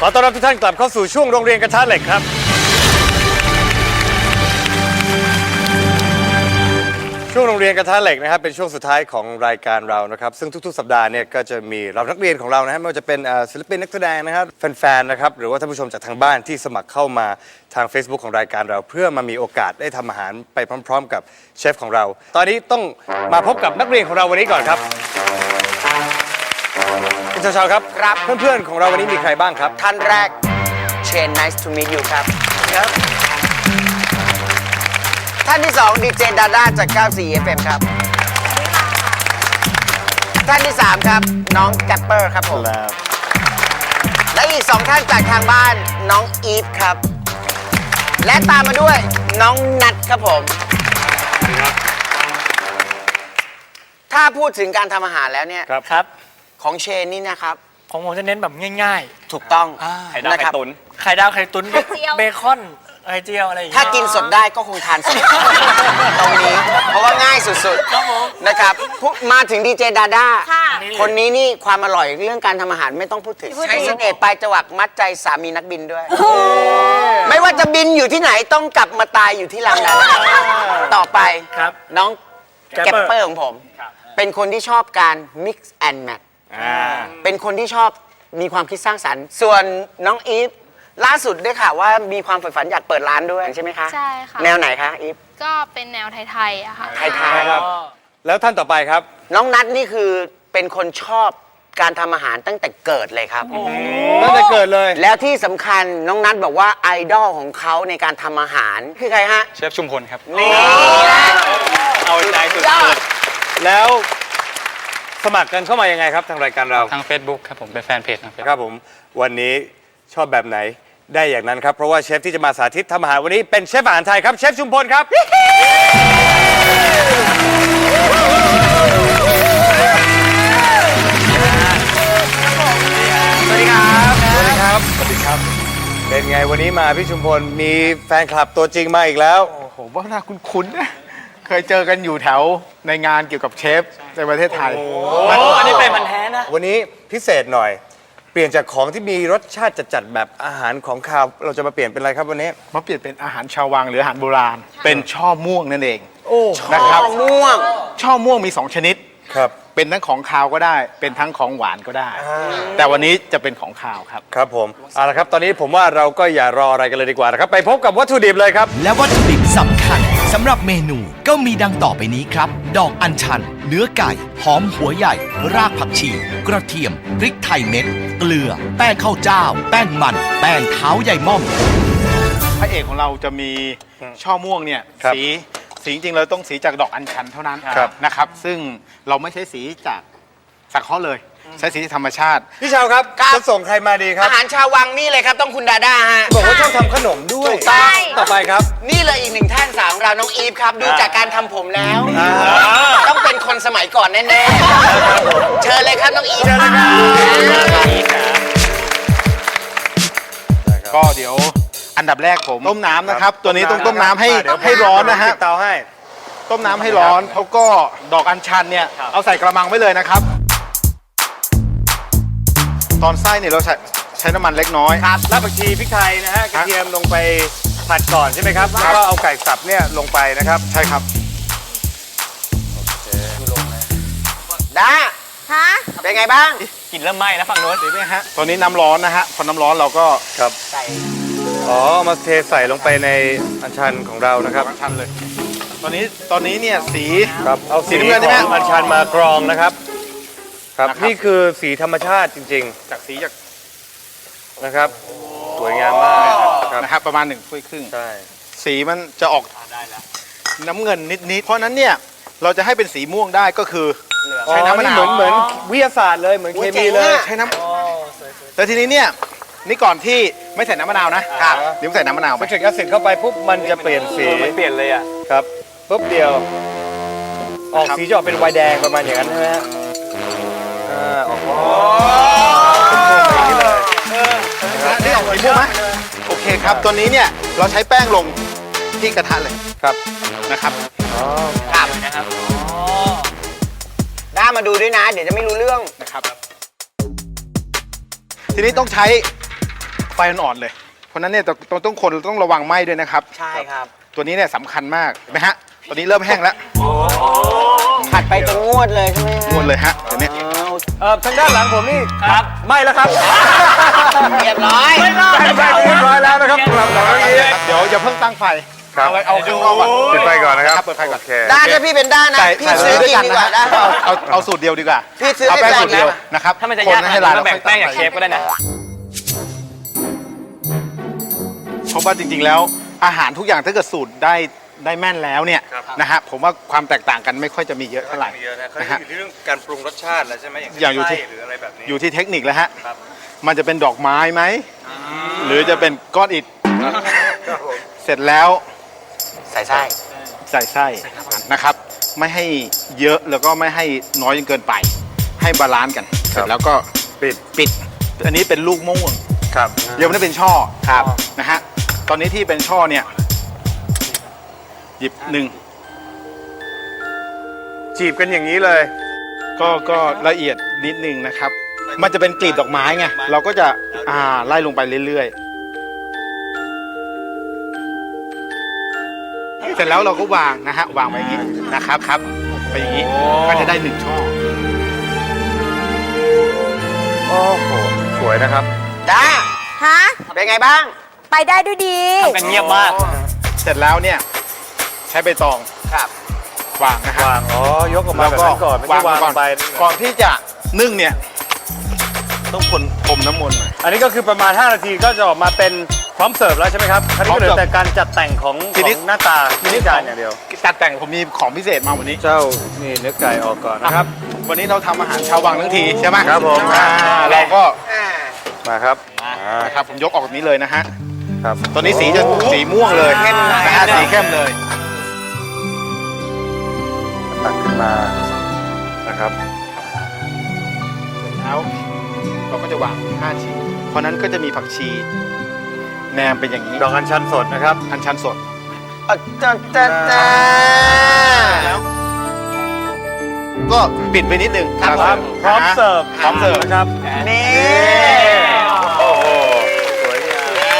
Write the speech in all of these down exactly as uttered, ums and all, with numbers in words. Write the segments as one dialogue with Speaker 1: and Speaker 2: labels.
Speaker 1: อต้อนรับทุกท่านกลับเข้าสู่ช่วงโรงเรียนกระทะเหล็กครับช่วงโรงเรียนกระทะเหล็กนะครับเป็นช่วงสุดท้ายของรายการเรานะครับซึ่งทุกๆสัปดาห์เนี่ยก็จะมีเรานักเรียนของเรานะฮะไม่ว่าจะเป็นศิลปินนักแสดงนะครับแฟนๆนะครับหรือว่าท่านผู้ชมจากทางบ้านที่สมัครเข้ามาทาง Facebook ของรายการเราเพื่อมามีโอกาสได้ทำอาหารไปพร้อมๆกับเชฟของเราตอนนี้ต้องมาพบกับนักเรียนของเราวันนี้ก่อนครับคุณชาวๆครับครับเพื่อนๆของเราวันนี้มีใครบ้างครับ
Speaker 2: ท่านแรกเชน nice to meet you ครับครับท่านที่สองดีเจดาด้าจาก เก้าสี่ เอฟ เอ็ม ครับท่านที่สามครับน้องแกปเปอร์ครับผมและอีกสองท่านจากทางบ้านน้องอีฟครับและตามมาด้วยน้องนัทครับผมถ้าพูดถึงการทำอาหารแล้วเนี่ย
Speaker 3: ครับ
Speaker 2: ของเชนนี่นะครับ
Speaker 3: ของผมจะเน้นแบบง่าย
Speaker 2: ๆถูกต้อง
Speaker 3: ไข่ดาวไข่ตุ๋นไข่ดาวไข่ตุ๋นเบคอนไข่เจียวอะไรอย่างเงี้ย
Speaker 2: ถ้ากินสดได้ก็คงทานสดตรงนี้เพราะว่าง่ายสุดๆนะครับมาถึงดีเจดาด้าคนนี้นี่ความอร่อยเรื่องการทำอาหารไม่ต้องพูดถึงใช้เสน่ห์ปลายจวักมัดใจสามีนักบินด้วยไม่ว่าจะบินอยู่ที่ไหนต้องกลับมาตายอยู่ที่ลำนั้นต่อไปน้องแกปเปอร์ของผมเป็นคนที่ชอบการ mix and match เป็นคนที่ชอบมีความคิดสร้างสรรค์ส่วนน้องอีฟล่าสุดได้ข่าวว่ามีความใฝ่ฝันอยากเปิดร้านด้วยใช่ไหมคะ
Speaker 4: ใช่ค่ะ
Speaker 2: แนวไหนคะอีฟ
Speaker 4: ก็เป็นแนวไทยๆอะค่ะ
Speaker 2: ไทยๆครับ
Speaker 1: แล้วท่านต่อไปครับ
Speaker 2: น้องนัทนี่คือเป็นคนชอบการทำอาหารตั้งแต่เกิดเลยครับ
Speaker 1: ตั้งแต่เกิดเลย
Speaker 2: แล้วที่สำคัญน้องนัทบอกว่าไอดอลของเขาในการทำอาหารคือใครฮะ
Speaker 5: เชฟชุมพลครับ
Speaker 2: นี่
Speaker 5: เอาใจสุด
Speaker 1: ๆแล้วสมัครกันเข้ามายังไงครับทางรายการเรา
Speaker 5: ทาง Facebook ครับผมเป็นแฟนเพจ
Speaker 1: ครับผมวันนี้ชอบแบบไหนได้อย่างนั้นครับเพราะว่าเชฟที่จะมาสาธิตทำอาหารวันนี้เป็นเชฟอาหารไทยครับเชฟชุมพลครับสวัสดีครับสวัสดีครับสวัสดีครับเป็นไงวันนี้มาพี่ชุมพลมีแฟนคลับตัวจริงมาอีกแล้ว
Speaker 6: โอ้โหว่าน่าคุ้นๆนะเคยเจอกันอยู่แถวในงานเกี่ยวกับเชฟในประเทศไทย
Speaker 3: โอ้อันนี้เป็นพันแท้นะ
Speaker 1: วันนี้พิเศษหน่อยเปลี่ยนจากของที่มีรสชาติจัดๆแบบอาหารของคาวเราจะมาเปลี่ยนเป็นอะไรครับวันนี้
Speaker 6: มาเปลี่ยนเป็นอาหารชาววังหรืออาหารโบราณเป็นช่อม่วงนั่นเอง
Speaker 2: โอ้
Speaker 6: นะครับ
Speaker 2: ช่อม่วง
Speaker 6: ช่อม่วงมีสองชนิด
Speaker 1: ครับ
Speaker 6: เป็นทั้งของคาวก็ได้เป็นทั้งของหวานก็ได้แต่วันนี้จะเป็นของคาวครับ
Speaker 1: ครับผมเอาละครับตอนนี้ผมว่าเราก็อย่ารออะไรกันเลยดีกว่านะครับไปพบกับวัตถุดิบเลยครับ
Speaker 7: และวัตถุดิบสำคัญสำหรับเมนูก็มีดังต่อไปนี้ครับดอกอัญชันเนื้อไก่หอมหัวใหญ่รากผักชีกระเทียมพริกไทยเม็ดเกลือแป้งข้าวเจ้าแป้งมันแป้งเท้าใหญ่ม่อม
Speaker 6: พระเอกของเราจะมีช่อม่วงเนี่ยสีสีจริงๆเราต้องสีจากดอกอัญชันเท่านั้นนะครับซึ่งเราไม่ใช้สีจากสังเคราะห์เลยใช้สีธรรมชาติ
Speaker 1: พี่ชาวครับจะส่งใครมาดีครับ
Speaker 2: อาหารชาววังนี่เลยครับต้องคุณดาด้าฮะ
Speaker 1: บอกว่าชอบทำขนมด้วย
Speaker 2: ถูกต้อง
Speaker 1: ต่อไปครับ
Speaker 2: นี่เลยอีกหนึ่งท่านสามเราน้องอีฟครับดูจากการทำผมแล้วต้องเป็นคนสมัยก่อนแน่ๆเชิญเลยครับน้องอีฟเชิญเลย
Speaker 6: ครับก็เดี๋ยวอันดับแรกผมต้มน้ำนะครับตัวนี้ต้องต้มน้ำให้ให้ร้อนนะฮะ
Speaker 1: เตาให้
Speaker 6: ต้มน้ำให้ร้อนแล้วก็ดอกอัญชันเนี่ยเอาใส่กระมังไว้เลยนะครับตอนไส้เนี่ยเราใช้ใช้น้ำมันเล็กน้อย
Speaker 1: ครับรากผักชีพริกไทยนะฮะกระเทียมลงไปผัดก่อนใช่ไหมครับแล้วก็เอาไก่สับเนี่ยลงไปนะครับ
Speaker 6: ใช่ครับ
Speaker 2: ด้าฮะเป็นไงบ้าง
Speaker 3: กลิ่นเริ่มไหม้แล้วฝั่งโน้น
Speaker 6: เห็นไหมฮะตอนนี้น้ำร้อนนะฮะพอน้ำร้อนเราก็
Speaker 1: ครับใส่อ๋อมาเทใส่ลงไปในอัญชันของเรานะครับ
Speaker 6: อัญชันเลยตอนนี้ตอนนี้เนี่ยสี
Speaker 1: ครับเอาสีน้ำเงินของอัญชันมากรองนะครับครับนี่คือสีธรรมชาติจริง
Speaker 6: ๆจากสีจาก
Speaker 1: นะครับสวยงามมาก
Speaker 6: นะครับประมาณหนึ่งถ้วยครึ่ง
Speaker 1: ใช่
Speaker 6: สีมันจะออกน้ำเงินนิดๆเพราะนั้นเนี่ยเราจะให้เป็นสีม่วงได้ก็คือ
Speaker 1: ใช้น้ำมะนาวเหมือนเหมือนวิทยาศาสตร์เลยเหมือนเคมีเลย
Speaker 6: ใช้น้ำแต่ทีนี้เนี่ยนี่ก่อนที่ไม่ใส่น้ำมะนาวนะครับเดี๋ยวใส่น้ำมะนาวไป
Speaker 1: พอใส่แอซิดเข้าไปปุ๊บมันจะเปลี่ยนสี
Speaker 3: มันเปลี่ยนเลยอ่ะ
Speaker 1: ครับปุ๊บเดียวออกสีจะออกเป็นไวน์แดงประมาณอย่างนั้นใช่ไหมฮะอ่าออก
Speaker 6: นี่เลยนี่ออกสีม่วงไหมโอเคครับตัวนี้เนี่ยเราใช้แป้งลงที่กระทะเลย
Speaker 1: ครับ
Speaker 6: นะครับ
Speaker 1: อ๋อ
Speaker 2: ครับนะครับด้ามาดูด้วยนะเดี๋ยวจะไม่รู้เรื่อง
Speaker 6: นะครับทีนี้ต้องใช้ไฟอ่อนๆเลย เพราะฉะนั้นเนี่ยต้องต้องคนต้องระวังไหม้ด้วยนะครับ
Speaker 2: ใช่ครับ
Speaker 6: ตัวนี้เนี่ยสำคัญมากเห็นไหมฮะตอนนี้เริ่มแห้งแล้ว
Speaker 2: ผัดไปจนงวดเลยใช่ไหม
Speaker 6: งวดเลยฮะตัวเนี้ย
Speaker 1: เออทางด้านหลังผมนี่ครับไม่แล้วครับ
Speaker 2: เรียบร้อย
Speaker 1: ไม่ไม่เรียบร้อยแล้วนะครับสำหรับน้องนี้
Speaker 6: เดี๋ยวอย่าเพิ่งตั้งไฟ
Speaker 1: ครับ
Speaker 6: เอาไว้เอาข้างนอกก่อน
Speaker 1: ปิดไฟก่อนนะครับ
Speaker 6: เปิดไฟก่อน
Speaker 1: โอเค
Speaker 2: ด้านถ้าพี่เป็นด้านนะ
Speaker 6: ใส่
Speaker 2: พี่
Speaker 6: ใส่
Speaker 2: ซื้อ
Speaker 6: ด้วย
Speaker 2: กิน
Speaker 6: กัน
Speaker 2: ดี
Speaker 6: นะ
Speaker 2: กว่า
Speaker 6: ฮะ
Speaker 2: ได้
Speaker 6: เอาเอาเอาสูตรเดียวดีกว่า
Speaker 2: พี่ซื้อ
Speaker 6: เอา
Speaker 2: ให้
Speaker 6: แป้ง
Speaker 2: แฟน
Speaker 6: สูตรเดียว
Speaker 2: นะ
Speaker 6: นะครับ
Speaker 3: ถ้ามันจะ
Speaker 6: คน
Speaker 3: ยากขนาด
Speaker 6: ให้
Speaker 3: นี้
Speaker 6: ละลาย
Speaker 3: ก็แบ่งแป้ง
Speaker 6: ค่
Speaker 3: จาก
Speaker 6: อย
Speaker 3: เชฟก็ได้นะ
Speaker 6: เพราะว่าจริงๆแล้วอาหารทุกอย่างถ้าเกิดสูตรได้ได้แม่นแล้วเนี่ยนะฮะผมว่าความแตกต่างกันไม่ค่อยจะมีเยอะเท่าไหร่
Speaker 1: เยอะนะเขา
Speaker 6: นะฮะ
Speaker 1: อยู่ที่เรื่องการปรุงรสชาติแล้วใช่ไหมอย่างเช่น
Speaker 6: อย่างอยู่ที่
Speaker 1: ไส้หรืออะไรแบบนี้
Speaker 6: อยู่ที่เทคนิคแล้วฮะ
Speaker 1: ครับ
Speaker 6: มันจะเป็นดอกไม้ไหมหรือจะเป็นก้อนอิฐเสร็จแล้ว
Speaker 2: ใส่ไส้
Speaker 6: ใส่ไส้นะครับ ไม่ให้เยอะแล้วก็ไม่ให้น้อยจนเกินไป ให้บาลานซ์กัน เสร็จแล้วก็
Speaker 1: ปิด
Speaker 6: ปิด อันนี้เป็นลูกมะม่วง
Speaker 1: ครับ
Speaker 6: ยังไม่ได้เป็นช่อครับนะฮะตอนนี้ที่เป็นช่อเนี่ยหยิบหนึ่ง
Speaker 1: จีบกันอย่างนี้เลย
Speaker 6: ก็ก็ละเอียดนิดนึงนะครับ มันจะเป็นกลีบดอกไม้ไงเราก็จะอ่าไล่ลงไปเรื่อยๆ เสร็จแล้วเราก็วางนะฮะวางไว้อย่างนี้นะครับครับไปอย่างนี้ก็จะได้หนึ่งช่อ
Speaker 1: โอ้โหสวยนะครับ
Speaker 2: ด้า
Speaker 8: ฮะ
Speaker 2: เป็นไงบ้าง
Speaker 8: ไปได้ด้วยดี
Speaker 3: ทำกันเงียบมาก
Speaker 6: เสร็จแล้วเนี่ยใช้ใบตอง
Speaker 2: ครับ
Speaker 6: วางนะฮะ
Speaker 1: วาง อ๋อ ยกออกมา
Speaker 6: แล้ว
Speaker 1: แบบ
Speaker 6: ก็
Speaker 1: นั้นก่อน ไม่ใช่วาง
Speaker 6: ก่อน
Speaker 1: ไป
Speaker 6: ก่อนที่จะนึ่งเนี่ยต้องคนพรมน้ำมนต์หน่อย
Speaker 1: อันนี้ก็คือประมาณ ห้า นาทีก็จะออกมาเป็นพร้อมเสิร์ฟแล้วใช่ไหมครับคราวนี้ก็เหลือแต่การจัดแต่งของ
Speaker 6: ที
Speaker 1: ข
Speaker 6: นี้
Speaker 1: องหน้าตาที่จานอย่างเดียว
Speaker 6: ตัดแต่งผมมีของพิเศษมาวันนี้
Speaker 1: เจ้า นี่เนื้อไก่ออกก่อนนะครับ
Speaker 6: วันนี้เราทำอาหารชาววังทั้งทีใช่ไหม
Speaker 1: ครับผม
Speaker 6: อ่าเราก็
Speaker 2: อ่า
Speaker 1: มาครับอ่า
Speaker 6: นะครับผมยกออกแบบนี้เลยนะฮะ
Speaker 1: ครับ
Speaker 6: ตอนนี้สีจะสีม่วงเลย
Speaker 2: เข้มเลย
Speaker 6: นะฮะสีเข้มเลย
Speaker 1: ตักขึ้นมา นะครับ
Speaker 6: แล้วเราก็จะวางห้าชิ้นเพราะนั้นก็จะมีผักชีแหนมเป็นอย่างนี้
Speaker 1: ดอกอัญชันสดนะครับ
Speaker 6: อัญชันสด
Speaker 2: อ่ะจ้าจ้าจ้า
Speaker 6: แล้วก็ปิดไปนิดนึง
Speaker 1: ครับ พร้อมเสิร์ฟ
Speaker 6: พร้อมเสิร์ฟ
Speaker 1: นะครับ
Speaker 2: นี่
Speaker 1: โอ้โห สวยงาม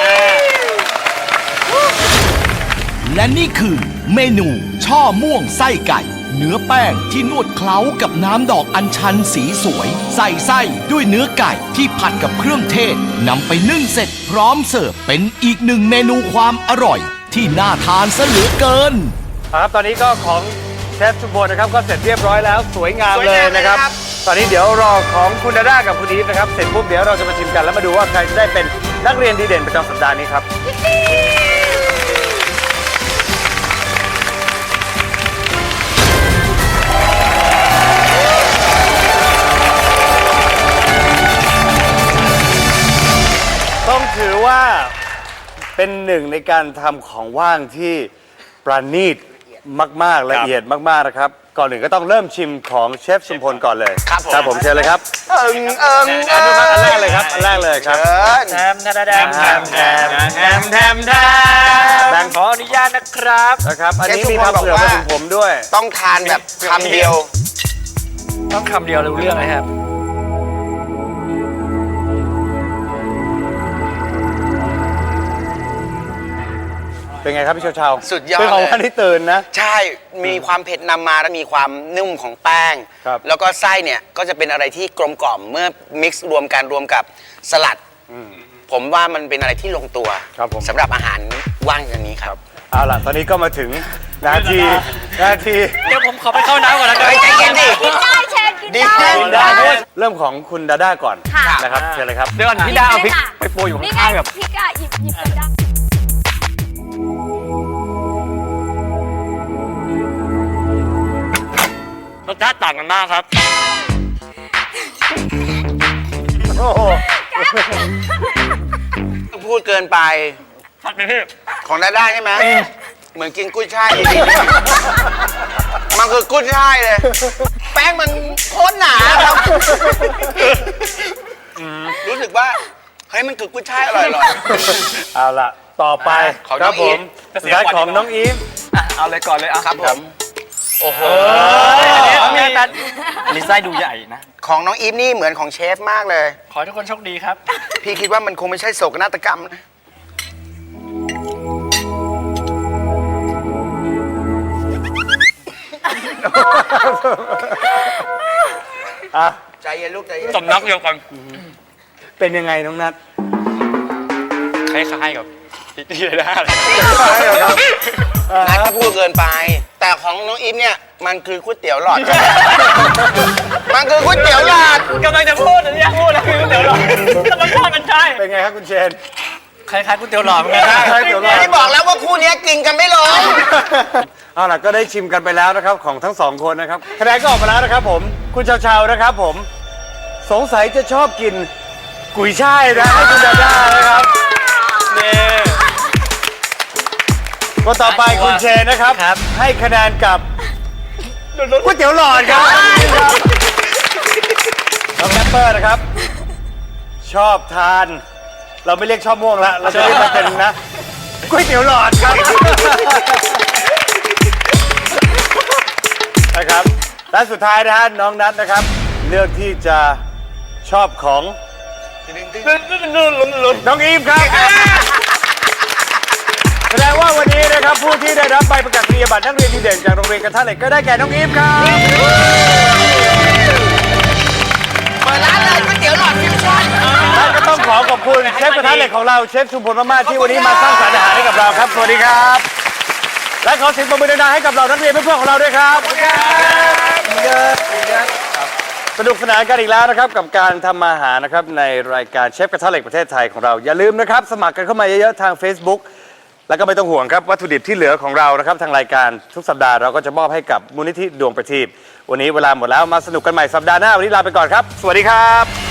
Speaker 7: และนี่คือเมนูช่อม่วงไส้ไก่ เนื้อแป้งที่นวดเคล้ากับน้ำดอกอัญชันสีสวย ใส่ไส้ด้วยเนื้อไก่ที่ผัดกับเครื่องเทศนำไปนึ่งเสร็จพร้อมเสิร์ฟเป็นอีกหนึ่งเมนูความอร่อย ที่น่าทานซะเหลือเกิน
Speaker 1: ครับ ตอนนี้ก็ของเชฟชุมพลนะครับ ก็เสร็จเรียบร้อยแล้ว สวยงามเลยนะครับ ตอนนี้เดี๋ยวรอของคุณดาด้ากับคุณอีฟนะครับ เสร็จปุ๊บเดี๋ยวเราจะมาชิมกันแล้วมาดูว่าใครจะได้เป็นนักเรียนดีเด่นประจำสัปดาห์นี้ครับ ต้องถือว่าเป็นหนึ่งในการทำของว่างที่ประณีตมาก ๆ ละเอียดมาก ๆ นะครับ ก่อนอื่นก็ต้องเริ่มชิมของเชฟชุมพลก่อนเลย
Speaker 2: ครับผม
Speaker 1: ครับผมเชิญเลยครับ
Speaker 2: เอิงเอิง
Speaker 1: อันนี้อันแรกเลยครับ อันแรกเลยครับ
Speaker 2: เชิญ
Speaker 3: แทมแทมแทมแทมแทมแทมแทมแทม
Speaker 1: แบงค์
Speaker 3: ขออนุญาตนะครับ
Speaker 1: นะครับ อันนี้
Speaker 2: เชฟชุ
Speaker 1: มี
Speaker 2: มพล
Speaker 1: ทำเผื่อ
Speaker 2: บอก
Speaker 1: มา
Speaker 2: ว่า
Speaker 1: ถึงผมด้วย
Speaker 2: ต้องทานแบบคำเดียว
Speaker 3: ต้องคำเดียวรู้เรื่องเลยครับ
Speaker 1: เป็นไงครับพี่เชาเชา
Speaker 2: สุดยอด
Speaker 1: เป็นของ
Speaker 2: เลย
Speaker 1: วันที่ตื่นนะ
Speaker 2: ใช่ มีความเผ็ดนำมาและมีความนุ่มของแป้ง
Speaker 1: ครับ
Speaker 2: แล้วก็ไส้เนี่ยก็จะเป็นอะไรที่กลมกล่อมเมื่อมิกซ์รวมกันรวมกับสลัด ผมว่ามันเป็นอะไรที่ลงตัว
Speaker 1: ครับผม
Speaker 2: สำหรับอาหารว่างอย่างนี้ครับ
Speaker 1: เอาล่ะ ตอนนี้ก็มาถึงนาที นาที
Speaker 3: เดี๋ยวผมขอไปเข้าน้ำก่อนนะครั
Speaker 2: เฮ้ยใจเย็นดิ
Speaker 8: กินได้เชฟกิน
Speaker 2: ดี
Speaker 8: ได้
Speaker 1: กินได้ด้วยเริ่มของคุณดาด้าก่อน
Speaker 8: ค่ะ
Speaker 1: นะครับ เชิญเลยครับ
Speaker 3: เดี๋ยวก่อนพี่ดาเอาพริกไปโปรยอยู่
Speaker 8: นี่ไง
Speaker 3: ข้างๆแบบ
Speaker 8: พริกอะหยิบหยิบกันได้
Speaker 3: รสชาติต่างกันมากครับ
Speaker 1: โอ้โห
Speaker 2: พูดเกินไป
Speaker 3: ผัดไปพี่
Speaker 2: ของได้ได้ใช่ไหมเหมือนกินกุ้ยช่ายจริงๆมันคือกุ้ยช่ายเลย แป้งมันโคตรหนาครับ รู้สึกว่าเฮ้ยมันคือกุ้ยช่ายอร่อยๆ
Speaker 1: เอาล่ะ ต่อไป
Speaker 2: ของ
Speaker 1: ค
Speaker 2: น้
Speaker 1: รั
Speaker 2: อบ ง
Speaker 1: ผ
Speaker 2: อี
Speaker 1: ม
Speaker 2: ฟ
Speaker 1: สุดท้ายของน้องอีฟ
Speaker 3: อ่ะเอาเลยก่อนเลยอ่ะ
Speaker 2: ครับผม
Speaker 3: โอ้โหอันนี้อันนี้อันนี้ไส้ดูใหญ่นะ
Speaker 2: ของน้องอีฟนี่เหมือนของเชฟมากเลย
Speaker 3: ขอให้ทุกคนโชคดีครับ
Speaker 2: พี่คิดว่ามันคงไม่ใช่โศกนาฏกรรมนะใจเย็นลูกใจเย็น
Speaker 5: สำนักเดียวกัน
Speaker 1: เป็นยังไงน้องนัท
Speaker 5: คล้ายๆกับที่ไรได้เลย
Speaker 2: นัทก็พูดเกินไป แต่ของน้องอีฟเนี่ยมันคือก๋วยเตี๋ยวหลอด มันคือก๋วยเตี๋ยวหลอด
Speaker 3: กำลังจะพูดอันนี้อยากพูดแล้วคือก๋วยเตี๋ยวหลอดแต่มันใช่มันใช่
Speaker 1: เป็นไงครับคุณเชน
Speaker 3: คล้ายๆก๋วยเตี๋ยวหลอดเหมือนกันนะ
Speaker 1: คล้ายๆก๋วยเตี๋ยวหลอด
Speaker 2: ที่บอกแล้วว่าคู่เนี้ยกินกันไม่ลง
Speaker 1: เอาล่ะก็ได้ชิมกันไปแล้วนะครับของทั้งสองคนนะครับคะแนนก็ออกมาแล้วนะครับผมคุณชาวชาวๆนะครับผมสงสัยจะชอบกินกุยช่ายนะให้คุณดาด้านะครับนี่คนต่อไปคุณเชนนะครับ ให้คะแนนกับก๋วยเตี๋ยวหลอดครับน้องแรปเปอร์นะครับ ชอบทาน เราไม่เรียกชอบม่วงละเราจะเรียกมันเป็นนะก๋วยเตี๋ยวหลอดครับ นะครับและสุดท้ายนะฮะน้องนัทนะครับ เลือกที่จะชอบของน้องอีฟครับแสดงว่าวันนี้นะครับผู้ที่ได้รับใบประกาศนียบัตรนักเรียนดีเด่นจากโรงเรียนกระทะเหล็กก็ได้แก่น้องอีฟครับ
Speaker 2: เปิดร้านเลยก๋วยเตี๋ยวหลอดฟิวชั่น
Speaker 1: และก็ต้องขอขอบคุณเชฟกระทะเหล็กของเราเชฟชุมพลมากๆที่วันนี้มาสร้างสรรค์อาหารให้กับเราครับสวัสดีครับ และขอเสียงปรบมือดังๆให้กับเรานักเรียนเพื่อนๆของเราด้วยครับสนุกสนานกันอีกแล้วนะครับกับการทำอาหารนะครับในรายการเชฟกระทะเหล็กประเทศไทยของเราอย่าลืมนะครับสมัครกันเข้ามาเยอะๆทาง Facebook แล้วก็ไม่ต้องห่วงครับวัตถุดิบที่เหลือของเรานะครับทางรายการทุกสัปดาห์เราก็จะมอบให้กับมูลนิธิดวงประทีปวันนี้เวลาหมดแล้วมาสนุกกันใหม่สัปดาห์หน้าวันนี้ลาไปก่อนครับสวัสดีครับ